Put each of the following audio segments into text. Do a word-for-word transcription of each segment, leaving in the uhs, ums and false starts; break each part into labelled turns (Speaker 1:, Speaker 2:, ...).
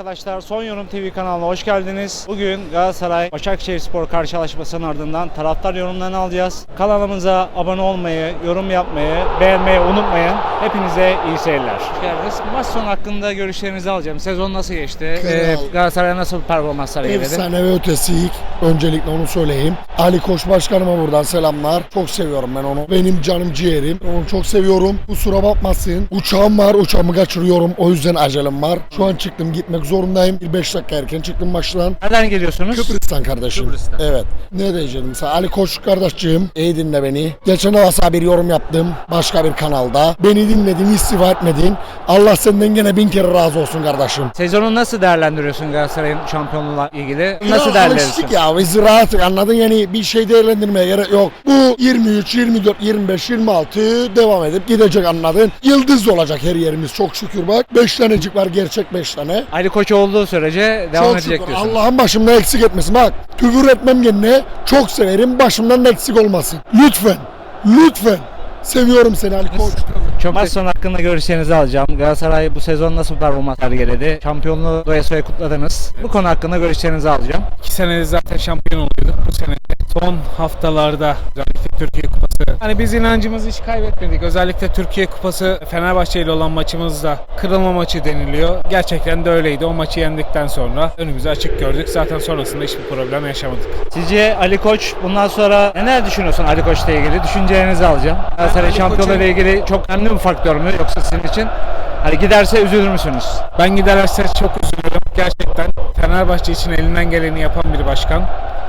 Speaker 1: arkadaşlar, Son Yorum T V kanalına hoş geldiniz. Bugün Galatasaray Başakşehirspor karşılaşmasının ardından taraftar yorumlarını alacağız. Kanalımıza abone olmayı, yorum yapmayı, beğenmeyi unutmayın. Hepinize iyi seyirler. Hoş geldiniz. Maç sonu hakkında görüşlerinizi alacağım. Sezon nasıl geçti? Ee, Galatasaray'a nasıl performanslar geldi?
Speaker 2: Efsane ve ötesi ilk. Öncelikle onu söyleyeyim. Ali Koç Başkanıma buradan selamlar. Çok seviyorum ben onu. Benim canım ciğerim. Onu çok seviyorum. Kusura bakmasın. Uçağım var. Uçağımı kaçırıyorum. O yüzden acelem var. Şu an çıktım. Gitmek zorundayım. Bir beş dakika erken çıktım maçtan.
Speaker 1: Nereden geliyorsunuz?
Speaker 2: Kıbrıs'tan kardeşim.
Speaker 1: Kıbrıs'tan.
Speaker 2: Evet. Ne diyeceğim sana? Ali Koç kardeşciğim. İyi dinle beni. Geçen hafta bir yorum yaptım. Başka bir kanalda. Beni dinledin, istifa etmedin. Allah senden gene bin kere razı olsun kardeşim.
Speaker 1: Sezonu nasıl değerlendiriyorsun Galatasaray'ın şampiyonluğuyla ilgili?
Speaker 2: Ya
Speaker 1: Nasıl değerlendiriyorsun?
Speaker 2: alıştık ya. Biz rahat, anladın, yani bir şey değerlendirmeye gerek yok. Bu yirmi üç, yirmi dört, yirmi beş, yirmi altı devam edip gidecek, anladın. Yıldız olacak her yerimiz çok şükür bak. beş tanecik var, gerçek beş tane.
Speaker 1: Ali Koç olduğu sürece devam
Speaker 2: Çok
Speaker 1: edecek
Speaker 2: şükür.
Speaker 1: diyorsunuz.
Speaker 2: Allah'ın başımdan eksik etmesin. Bak, küfür etmem kendine. Çok severim. Başımdan da eksik olmasın. Lütfen. Lütfen. Seviyorum seni Ali Koç.
Speaker 1: Çok maç sonu hakkında görüşlerinizi alacağım. Galatasaray bu sezon nasıl performans sergiledi? Şampiyonluğu doya soya kutladınız. Bu konu hakkında görüşlerinizi alacağım.
Speaker 3: İki senedir zaten şampiyon oluyorduk. Bu sene son haftalarda özellikle Türkiye Kupası. Hani biz inancımızı hiç kaybetmedik. Özellikle Türkiye Kupası Fenerbahçe ile olan maçımızda kırılma maçı deniliyor. Gerçekten de öyleydi. O maçı yendikten sonra önümüzü açık gördük. Zaten sonrasında hiçbir problem yaşamadık.
Speaker 1: Sizce Ali Koç bundan sonra neler düşünüyorsun Ali Koç'la ilgili? Düşüncelerinizi alacağım. Galatasaray
Speaker 3: Ali
Speaker 1: şampiyonluğu ile ilgili çok önemli bir faktör mü yoksa sizin için? Hani giderse üzülür müsünüz?
Speaker 3: Ben giderse çok üzülürüm. Gerçekten Fenerbahçe için elinden geleni yapan bir başkan.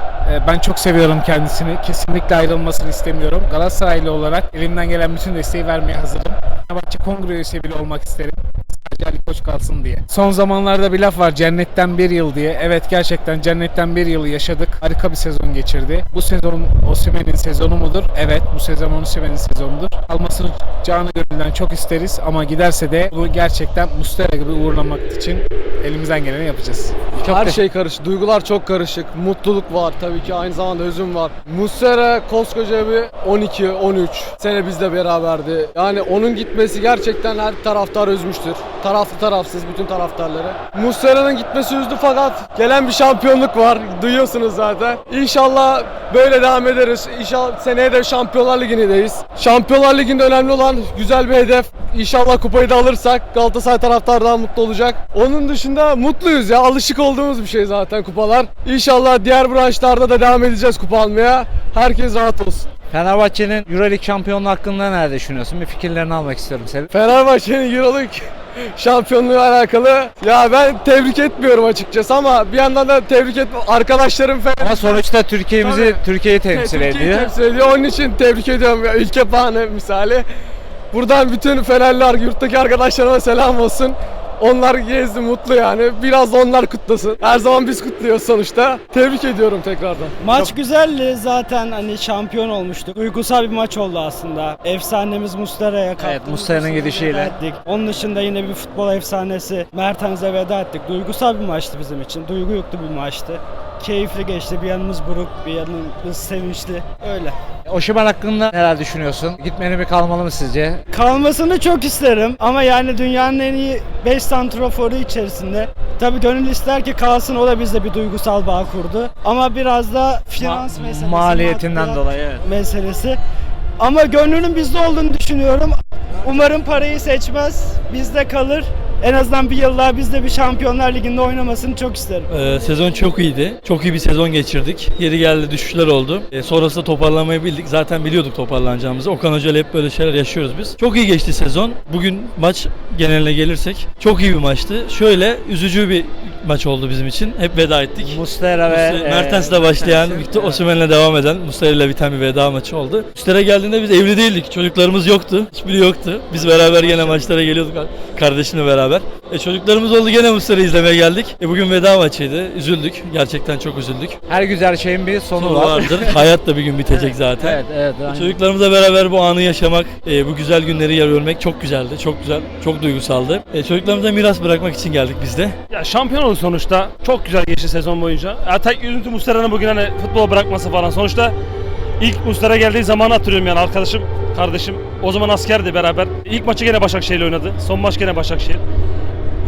Speaker 3: Ben çok seviyorum kendisini. Kesinlikle ayrılmasını istemiyorum. Galatasaraylı olarak elimden gelen bütün desteği vermeye hazırım. Fenerbahçe kongre üyesi bile olmak isterim. Sadece Ali Koç kalsın diye. Son zamanlarda bir laf var, cennetten bir yıl diye. Evet, gerçekten cennetten bir yılı yaşadık. Harika bir sezon geçirdi. Bu sezon Osimhen'in sezonu mudur? Evet, bu sezon Osimhen'in sezonudur. Kalmasını canı gönülden çok isteriz ama giderse de bunu gerçekten Muslera gibi uğurlamak için elimizden geleni yapacağız.
Speaker 1: Çok
Speaker 4: Her
Speaker 1: da-
Speaker 4: şey karışık, duygular çok karışık, mutluluk var tabii ki, aynı zamanda hüzün var. Muslera koskoca bir on iki on üç sene bizle beraberdi. Yani onun gitmesi gerçekten her taraftar üzmüştür. Taraflı tarafsız bütün taraftarları. Muslera'nın gitmesi üzdü fakat gelen bir şampiyonluk var. Duyuyorsunuz zaten. İnşallah böyle devam ederiz. İnşallah seneye de Şampiyonlar Ligi'ndeyiz. Şampiyonlar Ligi'nde önemli olan güzel bir hedef. İnşallah kupayı da alırsak Galatasaray taraftarı daha mutlu olacak. Onun dışında mutluyuz ya. Alışık olduğumuz bir şey zaten kupalar. İnşallah diğer branşlarda da devam edeceğiz kupa almaya. Herkes rahat olsun.
Speaker 1: Fenerbahçe'nin Euroleague şampiyonluğu hakkında neler düşünüyorsun? Bir fikirlerini almak istiyorum senin.
Speaker 4: Fenerbahçe'nin Euroleague şampiyonluğu alakalı ya ben tebrik etmiyorum açıkçası ama bir yandan da tebrik et arkadaşlarım falan.
Speaker 1: Ama sonuçta Türkiye'mizi,
Speaker 4: Tabii.
Speaker 1: Türkiye'yi temsil
Speaker 4: Türkiye'yi
Speaker 1: ediyor.
Speaker 4: temsil ediyor. Onun için tebrik ediyorum ya. Ülke puanı misali. Buradan bütün Fenerliler, yurttaki arkadaşlarıma selam olsun. Onlar gezdi, mutlu yani. Biraz da onlar kutlasın. Her zaman biz kutluyoruz sonuçta. Tebrik ediyorum tekrardan.
Speaker 5: Maç güzeldi zaten, hani şampiyon olmuştuk. Duygusal bir maç oldu aslında. Efsanemiz Muslera'ya kaptı.
Speaker 1: Evet, Muslera'nın gidişiyle.
Speaker 5: Onun dışında yine bir futbol efsanesi Mertens'e veda ettik. Duygusal bir maçtı bizim için. Duygu yüklü bir maçtı. Keyifli geçti. Bir yanımız buruk, bir yanımız sevinçli. Öyle.
Speaker 1: Osimhen hakkında neler düşünüyorsun? Gitmeli mi kalmalı mı sizce?
Speaker 5: Kalmasını çok isterim ama yani dünyanın en iyi beş santraforu içerisinde. Tabii gönül ister ki kalsın, o da bizde bir duygusal bağ kurdu. Ama biraz da finans
Speaker 1: Ma-
Speaker 5: meselesi,
Speaker 1: maliyetinden
Speaker 5: maddiyat
Speaker 1: dolayı, evet.
Speaker 5: meselesi. Ama gönlünün bizde olduğunu düşünüyorum. Umarım parayı seçmez, bizde kalır. En azından bir yıl daha bizde bir Şampiyonlar Ligi'nde oynamasını çok isterim.
Speaker 6: Ee, sezon çok iyiydi. Çok iyi bir sezon geçirdik. Yeri geldi düşüşler oldu. Ee, sonrasında toparlamayı bildik. Zaten biliyorduk toparlanacağımızı. Okan Hoca ile hep böyle şeyler yaşıyoruz biz. Çok iyi geçti sezon. Bugün maç geneline gelirsek çok iyi bir maçtı. Şöyle üzücü bir maç oldu bizim için. Hep veda ettik.
Speaker 1: Muslera ve
Speaker 6: Muslera-
Speaker 1: e,
Speaker 6: Mertens'le başlayan, Victor Osimhen'le devam eden, Muslera ile biten bir veda maçı oldu. Muslera geldiğinde biz evli değildik. Çocuklarımız yoktu. Hiçbiri yoktu. Biz beraber gene maçlara geliyorduk kardeşimle beraber. E, çocuklarımız oldu, gene Muslera'yı izlemeye geldik. E, bugün veda maçıydı. Üzüldük. Gerçekten çok üzüldük.
Speaker 1: her güzel şeyin bir sonu,
Speaker 6: Sonu
Speaker 1: var.
Speaker 6: vardır. Hayat da bir gün bitecek zaten.
Speaker 1: Evet, evet. aynen.
Speaker 6: Çocuklarımızla beraber bu anı yaşamak, e, bu güzel günleri görmek çok güzeldi. Çok güzel, çok duygusaldı. E, çocuklarımıza miras bırakmak için geldik biz de.
Speaker 7: Ya şampiyon olduk sonuçta. Çok güzel geçti sezon boyunca. Ya tek üzüntü Muslera'nın bugün hani futbola bırakması falan. Sonuçta ilk Muslera geldiği zamanı hatırlıyorum yani, arkadaşım, kardeşim. O zaman askerdi beraber. İlk maçı gene Başakşehir'le oynadı. Son maç gene Başakşehir.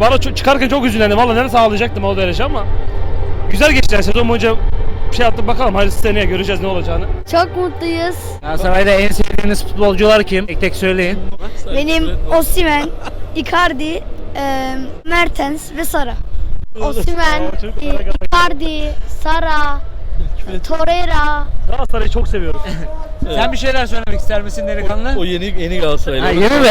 Speaker 7: bana çok, çıkarken çok üzüldüm. Valla neresi ağlayacaktım o derece ama güzel geçti yani sezon boyunca bir şey yaptık bakalım. Hadi seneye göreceğiz ne olacağını.
Speaker 8: Çok mutluyuz.
Speaker 1: Galatasaray'da en sevdiğiniz futbolcular kim? Tek tek söyleyin.
Speaker 8: Benim Osimhen, Icardi, e, Mertens ve Sara. Osimhen, e, Icardi, Sara, Torreira.
Speaker 7: Galatasaray'ı çok seviyoruz.
Speaker 1: Sen bir şeyler söylemek ister misin delikanlı?
Speaker 6: O yeni yeni Galatasaraylı.
Speaker 1: Ha, yeni mi?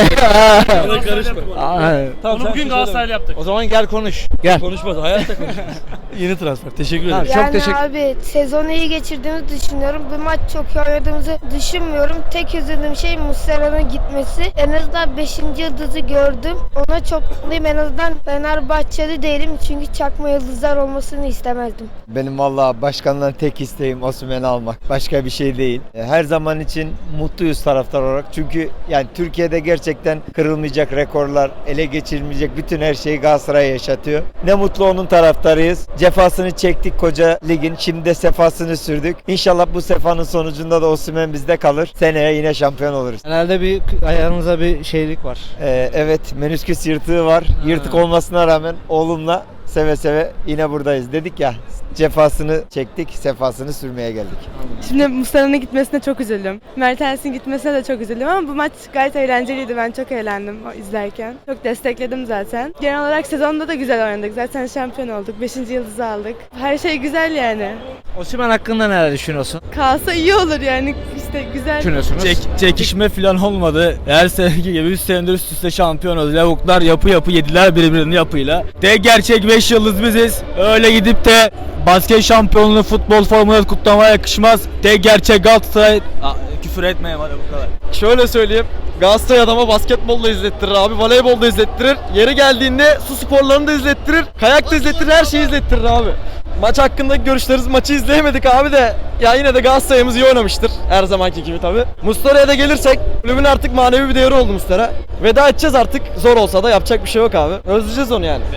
Speaker 6: Ona karışma.
Speaker 1: Tamam,
Speaker 7: Onu
Speaker 1: sen
Speaker 7: bugün
Speaker 1: bir şey
Speaker 7: Galatasaray'la yaptık.
Speaker 1: O zaman gel konuş. Gel.
Speaker 6: Konuşmaz. Hayatta konuşmaz. Yeni transfer. Teşekkür ederim.
Speaker 1: Tamam. Çok teşekkür-
Speaker 8: abi sezonu iyi geçirdiğimizi düşünüyorum. Bu maç çok iyi oynadığımızı düşünmüyorum. Tek üzüldüğüm şey Muslera'nın gitmesi. En azından beşinci yıldızı gördüm. Ona çok mutluyum. En azından Fenerbahçeli değilim. Çünkü çakma yıldızlar olmasını istemezdim.
Speaker 9: Benim valla başkandan tek isteğim Osimhen'i almak. Başka bir şey değil. Her zaman için mutluyuz taraftar olarak. Çünkü yani Türkiye'de gerçekten kırılmayacak rekorlar, ele geçirilmeyecek bütün her şeyi Galatasaray yaşatıyor. Ne mutlu onun taraftarıyız. Cefasını çektik koca ligin. Şimdi de sefasını sürdük. İnşallah bu sefanın sonucunda da Osimhen bizde kalır. Seneye yine şampiyon oluruz.
Speaker 1: Herhalde bir ayağınıza bir şeylik var.
Speaker 9: Ee, evet, menüsküs yırtığı var. Yırtık olmasına rağmen oğlumla seve seve yine buradayız. Dedik ya, cefasını çektik, sefasını sürmeye geldik.
Speaker 10: Şimdi Mustafa'nın gitmesine çok üzüldüm. Mertens'in gitmesine de çok üzüldüm ama bu maç gayet eğlenceliydi. Ben çok eğlendim o izlerken. Çok destekledim zaten. Genel olarak sezonda da güzel oynadık. Zaten şampiyon olduk. Beşinci yıldızı aldık. Her şey güzel yani.
Speaker 1: Osimhen hakkında neler düşünüyorsun?
Speaker 10: Kalsa iyi olur yani. İşte güzel.
Speaker 1: Düşünüyorsunuz.
Speaker 11: Çek, çekişme falan olmadı. Her seneki gibi üç senedir üst üste şampiyon oldu. Lavuklar yapı yapı yediler birbirinin yapıyla. De gerçek beş yıldız biziz. Öyle gidip de basket şampiyonluğu futbol formunu kutlamaya yakışmaz. De gerçek Galatasaray... Aa, küfür etmeyin bana bu kadar.
Speaker 4: Şöyle söyleyeyim. Galatasaray adama basketbol da izlettirir abi, voleybol da izlettirir. Yeri geldiğinde su sporlarını da izlettirir, kayak da izlettirir, her şeyi izlettirir abi. Maç hakkındaki görüşleriniz, maçı izleyemedik abi de ya yine de Galatasaray'ımız iyi oynamıştır. Her zamanki gibi tabii. Muslera'ya da gelirsek kulübün artık manevi bir değeri oldu Muslera. Veda edeceğiz artık, zor olsa da yapacak bir şey yok abi. Özleyeceğiz onu yani.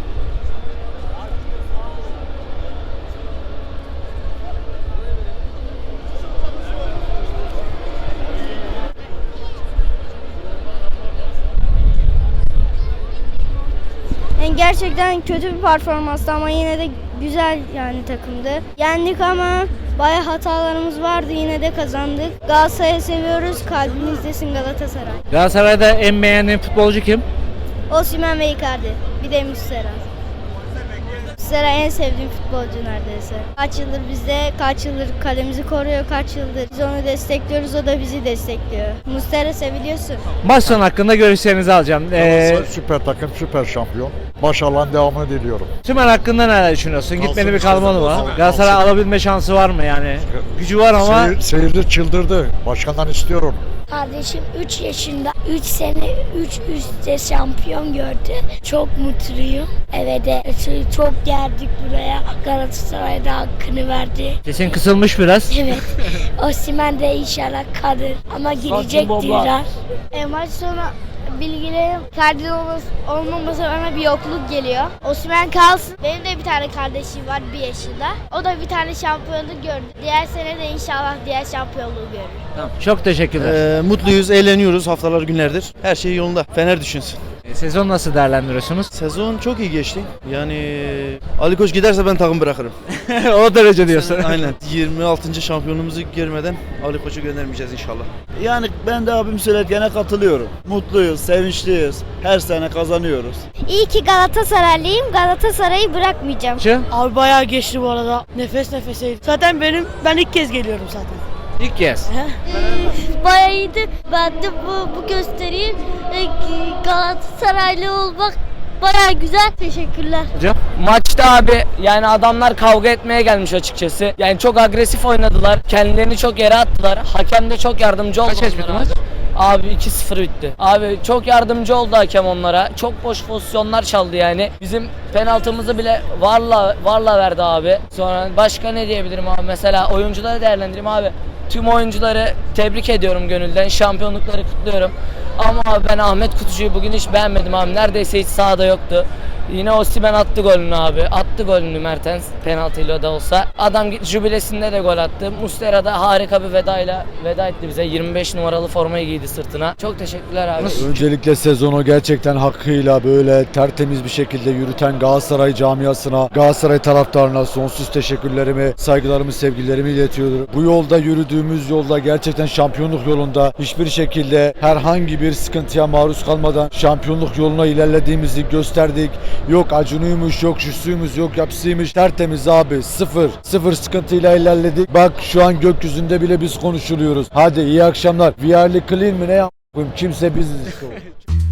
Speaker 8: Yani gerçekten kötü bir performanstı ama yine de güzel yani takımdı. Yendik ama bayağı hatalarımız vardı, yine de kazandık. Galatasaray'ı seviyoruz, kalbimizdesin Galatasaray.
Speaker 1: Galatasaray'da en beğendiğin futbolcu kim?
Speaker 8: Osimhen ve Icardi, bir de Muslera. Muslera en sevdiğim futbolcu neredeyse. Kaç yıldır bizde, kaç yıldır kalemizi koruyor, kaç yıldır biz onu destekliyoruz, o da bizi destekliyor. Muslera seviliyorsun.
Speaker 1: Maç sonu hakkında görüşlerinizi alacağım. Ee,
Speaker 12: Süper takım, süper şampiyon. Başarıların devamını diliyorum.
Speaker 1: Osimhen hakkında neler düşünüyorsun? Gitmeli bir kalmalı mı?
Speaker 12: Kalsın.
Speaker 1: Galatasaray alabilme şansı var mı yani? Gücü var ama
Speaker 12: Seyir, seyirci çıldırdı. Başkandan istiyorum.
Speaker 8: Kardeşim üç yaşında üç sene üç üstte şampiyon gördü. Çok mutluyum. Eve de çok geldik buraya. Galatasaray'da hakkını verdi.
Speaker 1: sesin kısılmış biraz.
Speaker 8: Evet. Osimhen de inşallah kalır. Ama girecek diyorlar. E, maç sonu bilgilerim Icardi'nin olmaması bana bir yokluk geliyor. Osimhen kalsın. Benim de bir tane kardeşim var bir yaşında. O da bir tane şampiyonluk gördü. Diğer sene de inşallah diğer şampiyonluğu görür.
Speaker 1: Tamam, çok teşekkürler.
Speaker 11: Ee, mutluyuz, eğleniyoruz haftalar günlerdir. Her şey yolunda. Fener düşünsün.
Speaker 1: Ee, Sezon nasıl değerlendiriyorsunuz?
Speaker 11: Sezon çok iyi geçti. Yani Ali Koç giderse ben takım bırakırım.
Speaker 1: O derece diyorsun.
Speaker 11: Aynen. yirmi altıncı şampiyonumuzu görmeden Ali Koç'u göndermeyeceğiz inşallah.
Speaker 9: Yani ben de abim söylerken katılıyorum. Mutluyuz, sevinçliyiz. Her sene kazanıyoruz.
Speaker 8: İyi ki Galatasaraylıyım. Galatasaray'ı bırakmayacağım.
Speaker 10: Abi bayağı geçti bu arada. Nefes nefeseydi. Zaten benim ben ilk kez geliyorum zaten.
Speaker 1: İlk kez.
Speaker 8: Bayağı iyiydi. Ben de bu, bu gösteriyi Galatasaraylı olmak bayağı güzel. Teşekkürler.
Speaker 1: Hocam?
Speaker 13: Maçta abi yani adamlar kavga etmeye gelmiş açıkçası. Yani çok agresif oynadılar. Kendilerini çok yere attılar. Hakem de çok yardımcı oldu.
Speaker 1: Kaç kaç bitti maç?
Speaker 13: Abi iki sıfır bitti. Abi çok yardımcı oldu hakem onlara. Çok boş pozisyonlar çaldı yani. Bizim penaltımızı bile varla varla verdi abi. Sonra başka ne diyebilirim abi? Mesela oyuncuları değerlendireyim abi. Tüm oyuncuları tebrik ediyorum gönülden. Şampiyonlukları kutluyorum. Ama abi ben Ahmet Kutucu'yu bugün hiç beğenmedim abi. Neredeyse hiç sahada yoktu. Yine Osimhen attı golünü abi. Attı golünü Mertens penaltıyla da olsa. Adam gitti jübilesinde de gol attı. Muslera da harika bir vedayla veda etti bize. yirmi beş numaralı formayı giydi sırtına. Çok teşekkürler abi.
Speaker 14: Öncelikle sezonu gerçekten hakkıyla böyle tertemiz bir şekilde yürüten Galatasaray camiasına, Galatasaray taraftarına sonsuz teşekkürlerimi, saygılarımı, sevgilerimi iletiyorum. Bu yolda yürüdüğümüz yolda gerçekten şampiyonluk yolunda hiçbir şekilde herhangi bir sıkıntıya maruz kalmadan şampiyonluk yoluna ilerlediğimizi gösterdik. Yok acunuymuş, yok şusuymuş, yok yapısıymış. Tertemiz abi. Sıfır. Sıfır sıkıntıyla ilerledik. Bak şu an gökyüzünde bile biz konuşuluyoruz. Hadi iyi akşamlar. We are clean mi ne yapayım? Kimse biziz işte.